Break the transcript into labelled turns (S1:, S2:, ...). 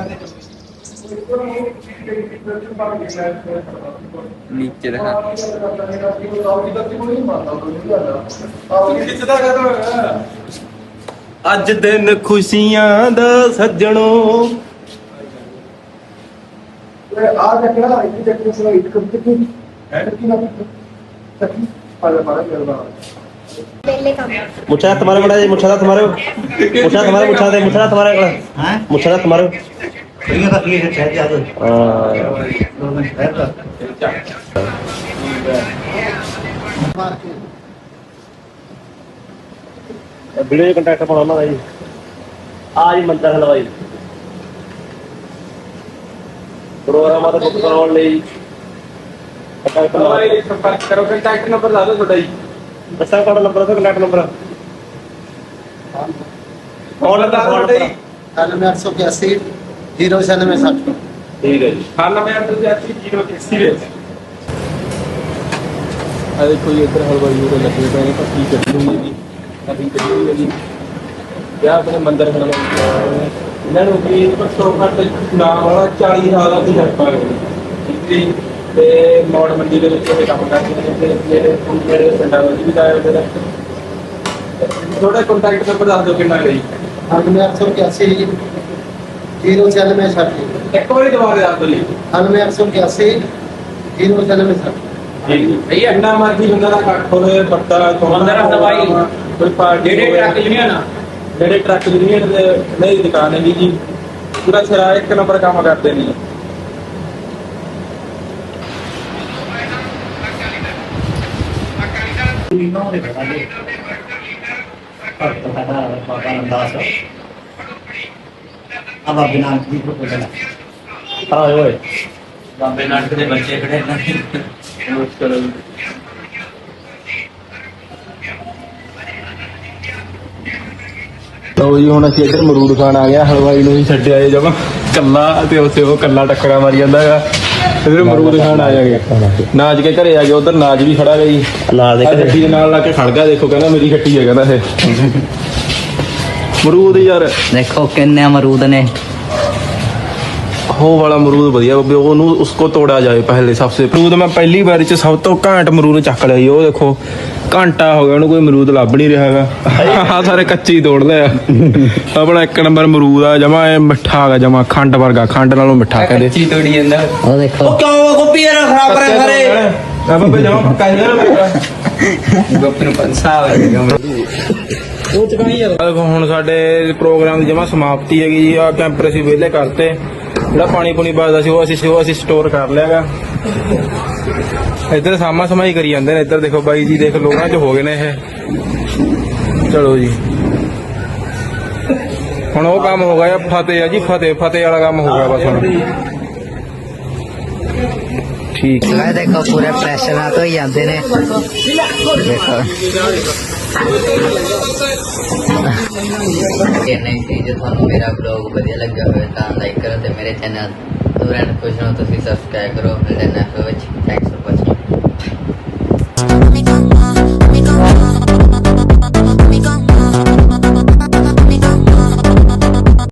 S1: नीचे रखा
S2: ਅੱਜ ਦਿਨ ਖੁਸ਼ੀਆਂ ਦਾ ਸੱਜਣੋ
S3: आ देखना इतनी तकलीफ से इट कब तक है कि ना तक पाला करवा
S4: पहले काम
S2: ਮੁੱਛਾਂ तुम्हारे बड़ा मुੱਛਾਂ तुम्हारे मुੱਛਾਂ तुम्हारे मुੱਛਾਂ तुम्हारे हैं मुੱਛां तुम्हारे
S3: बढ़िया बात ये है चाहे ज्यादा दोनों शहर का
S2: ਵੀਡੀਓ ਕੰਟੈਕਟ ਪਾਉਣਾ ਉਹਨਾਂ ਦਾ ਜੀ ਆ ਜੀ ਮੰਦਰ ਹਲਵਾਈ ਪ੍ਰੋਗਰਾਮਾਂ ਦਾ ਬੁੱਕ ਕਰਾਉਣ ਲਈ ਕੰਟੈਕਟ
S1: हमारे संपर्क करो कॉन्टैक्ट नंबर ला दो थोड़ा ही
S2: ਦੱਸਾਂ ਤੁਹਾਡਾ ਨੰਬਰ ਤੇ ਕੰਟੈਕਟ ਨੰਬਰ
S1: फोन ला दो थोड़ा ही
S3: 9881 09660
S2: ਠੀਕ ਹੈ ਜੀ
S1: खाना में अंदर जाती जीरो के सीरियस आ देखो ये इधर हलवाई हो लगे हुए हैं पत्ती कटी हुई है जी अभी कटी हुई है जी क्या अपने मंदिर हलवाई ਇਹਨਾਂ ਨੂੰ ਵੀ ਘੱਟੋ ਘੱਟ ਨਾਮ ਵਾਲਾ 40 ਸਾਲ ਦਾ ਤਜਰਬਾ ਹੈ ਜੀ ਤੇ ਮੌੜ ਮੰਡੀ ਦੇ ਵਿੱਚ ਇਹ ਕੰਮ ਕਰਦੇ ਨੇ ਤੇ ਜਿਹੜੇ ਪਿੰਡਾਂ ਵਿੱਚ ਵੀ ਆਏ ਹੁੰਦੇ ਨੇ ਥੋੜਾ ਕੰਟੈਕਟ ਨੰਬਰ ਦੱਸ ਦਿਓ ਕਿੰਨਾ ਹੈ ਜੀ
S3: 9881 09660
S1: ਇੱਕ ਵਾਰੀ ਦੁਬਾਰਾ ਦੱਸ ਦਿਓ ਜੀ
S3: 9881 09660
S1: ਜੀ ਭਈਆ ਇੰਨਾ ਮਰਜ਼ੀ ਬੰਦਾ ਦਾ ਕੱਟ ਹੋਵੇ ਪੱਤਾ ਮੰਦਰ ਹਲਵਾਈ ਕੋਈ ਪਾਰਟੀ ਜਿਹੜੇ ਟਰੱਕ ਯੂਨੀਅਨ ਦੇ ਨਹੀਂ ਦੁਕਾਨ ਹੈ ਜੀ ਪੂਰਾ ਸਿਰਾ ਇੱਕ ਨੰਬਰ ਕੰਮ ਕਰਦੇ ਨੇ
S3: अब आप बिना की फोटो लेना
S2: ਹਾਂ ਓਏ
S3: बाबे नाटक के बच्चे खड़े हैं
S1: ਲਓ ਜੀ ਹੁਣ ਅਸੀਂ ਇੱਧਰ ਮਰੂਦ ਖਾਣ ਆ ਗਿਆ ਹਲਵਾਈ ਨੂੰ ਹੀ ਛੱਡਿਆ ਏ ਜਮਾ ਕੱਲਾ ਤੇ ਉੱਥੇ ਉਹ ਕੱਲਾ ਟੱਕਰਾ ਮਾਰੀ ਜਾਂਦਾ ਹੈਗਾ ਇੱਧਰ ਮਰੂਦ ਖਾਣ ਆ ਜਾਗੇ ਨਾਜ ਕੇ ਘਰੇ ਆ ਗਏ ਉਧਰ ਨਾਜ ਵੀ ਖੜਾ ਗਈ
S2: ਲਾ ਦੇ ਘਰੇ।
S1: ਗੱਡੀ ਦੇ ਨਾਲ ਲਾ ਕੇ ਖੜ ਗਿਆ ਦੇਖੋ ਕਹਿੰਦਾ ਮੇਰੀ ਗੱਟੀ ਹੈ ਕਹਿੰਦਾ ਇਹ ਮਰੂਦ ਯਾਰ
S5: देखो किन्ने अमरूद ने
S1: ਉਹ ਵਾਲਾ ਮਰੂਦ ਵਧੀਆ ਬੱਬੇ ਉਹਨੂੰ ਉਸਕੋ ਤੋੜਾ ਜਾਏ ਪਹਿਲੇ ਸਭ ਸੇ ਮਰੂਦ ਮੈਂ ਪਹਿਲੀ ਵਾਰੀ ਚ ਸਭ ਤੋਂ ਘੈਂਟ ਮਰੂਦ ਚੱਕ ਲਿਆ ਜੀ ਉਹ ਦੇਖੋ ਘੰਟਾ ਹੋ ਗਿਆ ਉਹਨੂੰ ਕੋਈ ਮਰੂਦ ਲੱਭ ਨਹੀਂ ਰਿਹਾ ਹੈਗਾ ਆਹ ਸਾਰੇ ਕੱਚੇ ਹੀ ਤੋੜ ਲਿਆ ਆਪਣਾ ਇੱਕ ਨੰਬਰ ਮਰੂਦ ਆ ਜਮਾ ਇਹ ਮਿੱਠਾ ਹੈਗਾ ਜਮਾ ਖੰਡ ਵਰਗਾ ਖੰਡ ਨਾਲੋਂ ਮਿੱਠਾ ਕਹਿੰਦੇ
S5: चीज तोड़ी अंदर ओ देखो
S2: ਕਿਉਂ ਗੋਪੀ ਯਾਰ ਖਰਾਬ ਕਰਿਆ ਸਾਰੇ
S1: ਆ ਬੱਬੇ ਜਮਾ ਪੱਕਾ ਹੀ ਨਾ
S5: गोपी नु पंसा
S1: ਉਹ ਚਕਾਈ ਯਾਰ ਦੇਖੋ ਹੁਣ ਸਾਡੇ ਪ੍ਰੋਗਰਾਮ ਦੀ ਜਮਾ ਸਮਾਪਤੀ ਹੈਗੀ ਜੀ ਆ ਕੈਂਪਰ ਅਸੀਂ ਵਿਹਲੇ ਕਰਤੇ ਜਿਹੜਾ ਪਾਣੀ ਪੂਣੀ ਬਚਦਾ ਸੀ ਉਹ ਅਸੀਂ ਸਟੋਰ ਕਰ ਲਿਆਗਾ ਇੱਧਰ ਸਾਮਾ ਸਮਾਈ ਕਰੀ ਜਾਂਦੇ ਨੇ ਇੱਧਰ ਦੇਖੋ ਬਾਈ ਜੀ ਦੇਖ ਲੋਕਾਂ ਚ ਹੋ ਗਏ ਨੇ ਇਹ ਚਲੋ ਜੀ ਹੁਣ ਉਹ ਕੰਮ ਹੋ ਗਿਆ ਫਤਿਹ ਆ ਜੀ ਫਤਿਹ ਵਾਲਾ ਕੰਮ ਹੋ ਗਿਆ ਬਸ ਹੁਣ ਠੀਕ
S5: मैं देखो पूरे प्रेशर ना तो ही आते ने देखो ये नहीं थी जो थानू मेरा ब्लॉग बढ़िया लगा होवे तां लाइक करो ते मेरे चैनल नूरन खुश हो तुसी सब्सक्राइब करो मिलदे नेक्स्ट विच थैंक्स